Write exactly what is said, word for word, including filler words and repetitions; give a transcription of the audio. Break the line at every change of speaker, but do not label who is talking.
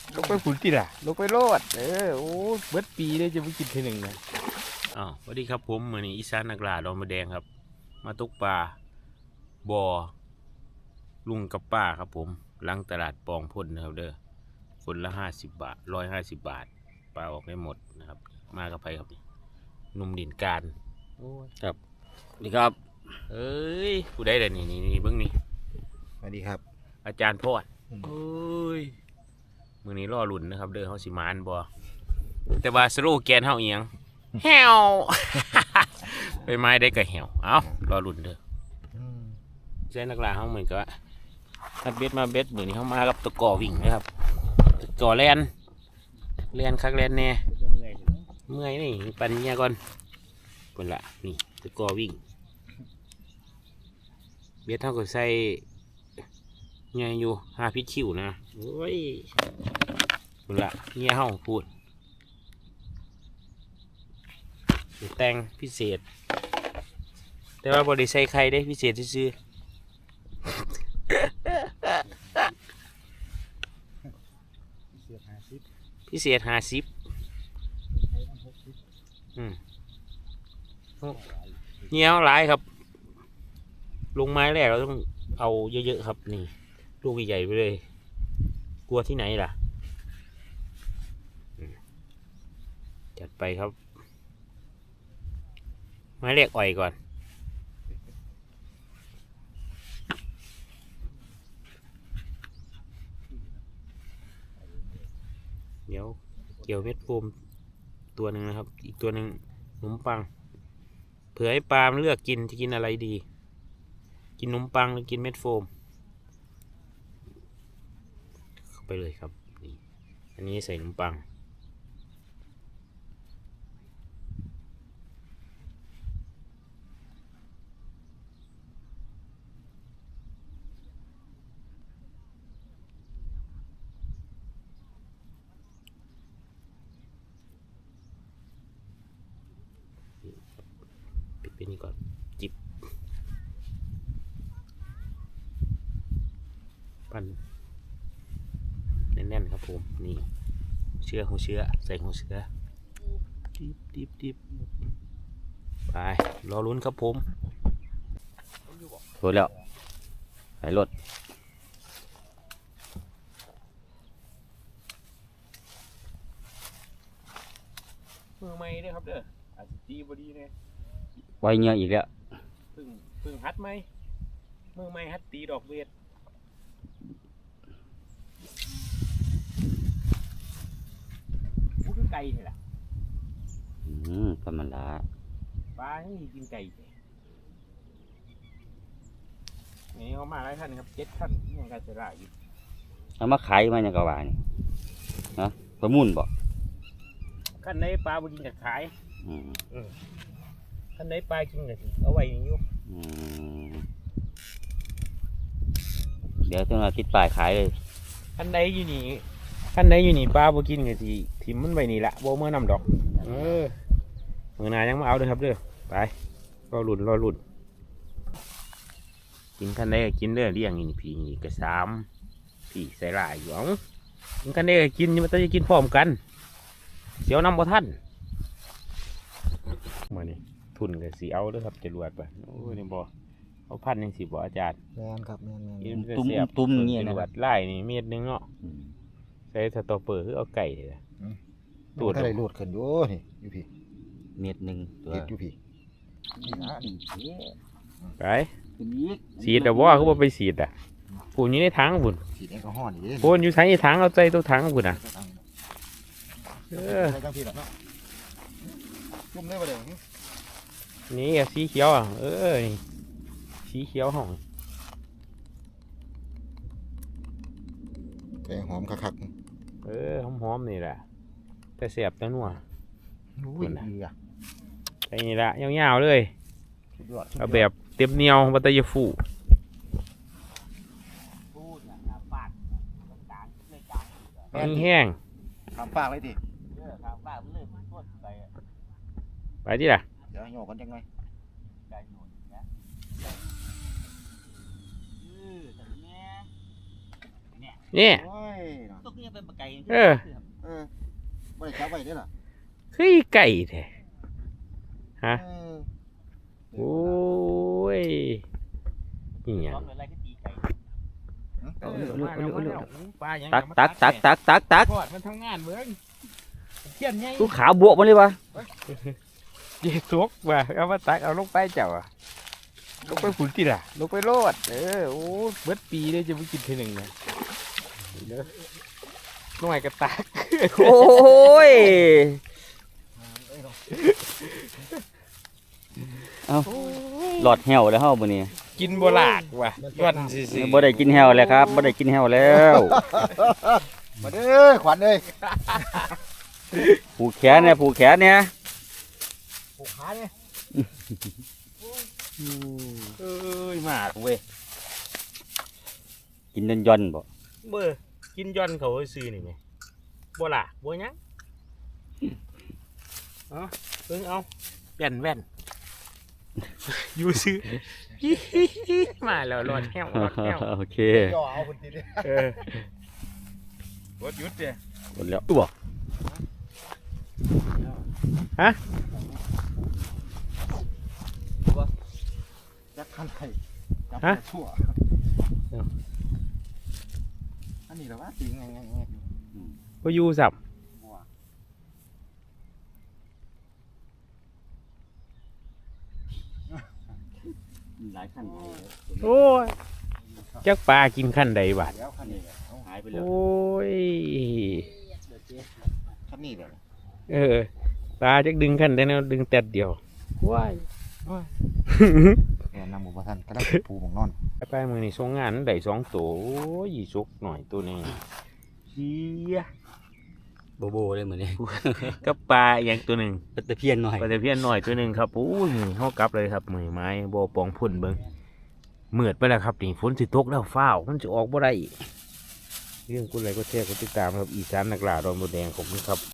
ลงไปฝุ่นติล่ะลงไปโลดเออโอ้เบิดปีเลยจะไปกินทีหนึ่งนะอ้าวสวัสดีครับผมมือนี้อีสานนักล่าดอนมะแดงครับมาตกปลาบ่อลุงกับป้าครับผมหลังตลาดปองพ่นนะครับเด้อคนละห้าสิบบาทร้อยห้าสิบบาทปลาออกได้หมดนะครับมากับไปครับหนุ่มดินการโอ้ยครับสวัสดีครับเอ้ยผู้ใดแต่นี่นี่นี่เบิ้งนี่
สวัสดีครับ
อาจารย์พอดเอ้ยมือนี้ล่อหลุนนะครับเด้อเขาสิมานบ่แต่ว่าสโลแกนเฮาเอียงแฮวไปไม้ได้ก็แฮวเอ้ารอหลุนเด้อใช้นักล่าเฮาเหมือนกับทัดเบ็ดมาเบ็ดมือนี้เฮามากับตะกอวิ่งนะครับตะกอแลนแลนคักแลนแน่เมื่อยนี่ปันเนี่ยก่อนคนละนี่ตะกอวิ่งเบ็ดเท่ากับใส่เงี้ยอยู่ห้าพิษคิวนะโอ้ยคนละเงี้ยเฮาพูดแต่งพิเศษแต่ว่าบริใส่ไข่ได้พิเศษซื่อพิเศษห้าสิบเงี้ยหลายครับลงไม้แรกเราต้องเอาเยอะๆครับนี่ลูกใหญ่ๆไปเลยกลัวที่ไหนล่ะจัดไปครับไม้แรกอ่อยก่อนเดี๋ยวเกี่ยวเม็ดโฟมตัวหนึ่งนะครับอีกตัวหนึ่งขนมปังเผื่อให้ปลาเลือกกินจะกินอะไรดีกินขนมปังหรือกินเม็ดโฟมเข้าไปเลยครับนี่อันนี้ใส่ขนมปังปิดไปนี่ก่อนจิบปั้นแน่นๆครับผมนี่เชื้อหัวเชื้อใส่หัวเชื้อดิบดิบดิบไปรอลุ้นครับผมรถแล้วไหนรถมือใหม่ด้วยครับเด้ออาจจะตีบดีเนี่ย
ไว้เงี้ยอีกแล้ว
เพิ่งเพิ่งฮัดไหมมือใหม่ฮัดตีดอกเวทพูดถึงไก่นี่แหละ
อืมธรรมดา
ปลาให้กินไก่นี่เขามาหลายท่านครับเจ็ดท่านยังการจะได้อยู่
เอามาขายมาอย่างกว่านี่นะประมุ่นบ่
ขั้นในปลาบุกินกับขาย
อืม
ขั้นในปลากินกับเอาไว้นี่อยู่
เดี๋ยวต้องมาคิดปลายขายเลย
ขั้นในอยู่นี่ขั้นในอยู่นี่ปลาบุกินกับที่ทิมมันไว้นี่ละโบเมื่อนำดอกเออเมื่อนายังมาเอาเลยครับเด้อไปรอหลุนรอหลุนกินขั้นในกินเด้อเลี้ยงนี่พี่นี่กระสามพี่ใส่ลายอยู่อ๋อกินขั้นในกินมันต้องจะกินพร้อมกันเสียวนำบ่ท่านมานี่ทุนกับสีเอาด้วยครับจะรวดไปโอ้ยนี่บ่เอาพันยังสีบ่อาจารย์
แมนครับแมนแม
นตุ้มตุ้มเงี้ยนะไล่นี่เม็ดนึงเนาะใช้สตอเปอร์คือเอาไก่เลย
ตูดอะไรหลุดขึ้นอยู่นี่อยู่พี่เม็ดหนึ่งตัวอยู่พี่
ไปสีดแต่ว่าเขาบอกไปสีดอ่ะปูนอยู่ในถังบุญ
สีแอลกอฮอล์นี่
ปูนอยู่ใช้ถังเอาใจตัวถังบุญอ่ะเออ
จุ่มได้ปะเดี๋ยว
นี่สีเขียวอ่ะเออสีเขียวหอม
แต่หอมคัก
ๆเออหอมๆนี่แหละแต่เสียบแต่นัว
อุ้ยดีอ่ะ
ไอ้นี่ละยาวๆเลยเอาแบบเต็มเหนียวบัตรยฟูแห้ง
ทำปากเลยดิ
ไปที่ไหน
เดี๋ยวโยกกันยังไง
นี่
โอ้ย
ยังเป็นปลาไก่
เออ
เออบ่ได้จับไว้เด้อล่ะ
คือไก่แท้ฮะ
เออ
โอ้ยนี่หยัง
ร้องอะไรก็ตีไก่
เอาเร็วเร็วเร็วเร็ว
ปลายัง
ตักตักตักตักตักตัก
ทอดมันทำงานเบิ้งเขียนไง
กูขาบวกมาเลยวะ
เยี่สุกว่ะเอามาตักเอาลงไปเจ้าอะลงไปฝุ่นที่ล่ะลงไปโลดเออโอ้เบิดปีเลยจะไปกินทีหนึ่งนะเด้อน้อยกระตัก
โอ้ยเอาหลอดแหวแล้วเฮามื้อนี้
กินบ่ลากว่ะย้อนซื่อ
บ่ได้กินแหวแล้วครับบ่ได้กินแหวแล้ว มาเด้อขวัญเอ้ยผูกแขนเนี่ยผูกแขนเนี่ย
ผูกขาเนี่ย
เอ้ยมากเว้ย
กินย่อนย่อนๆบ่
เบ้อกินย้อนเขาซื้อนี่ไหมบ่ลากบ่หยังเอาเบิ่งเอาแว่นแว่นอยู่ซื้อ มาแล้วรอดแห้วรอดแห้ว
โอเค
จ่อเอาคนทีเดียว
เออ
รถยุดเนี่ย
หมดแล้วตัว
จักขันไข่จับ
ฮะ
ชั่วอันนี้เหรอวะตีไงไงไง
บ่อยู่สับ
หลายขั้น
โอ้ยจักปลากินขั้นใดบาด
แล้วคันนี้
หายไปแล้ว
โอ้ย
คันนี้เดี๋ยว
เออปลาจักดึงขั้นได้แนวดึงแต่เดียวว้าย
แอนำหมูปลาทันกระดับปูหมองนอน
ไปไปมือนี่ส่งงานได้สองตัวโอ้ยสุกหน่อยตัวนี้เฮีย
โบโบเลยเหมือนนี้
กับปลาอย่างตัวหนึ่ง
ปลาตะเพียนหน่อย
ปลาตะเพียนหน่อยตัวหนึ่งครับโอ้ยเฮากลับเลยครับมือไม้บ่ปองพุ่นเบิ่งมืดไปแล้วครับนี่ฝนสิตกแล้วฟ้าวมันจะออกบ่ได้อีกเรื่องกูอะไรก็แชร์กดติดตามครับอีสานนักล่าดอนบัวแดงขอบคุณครับ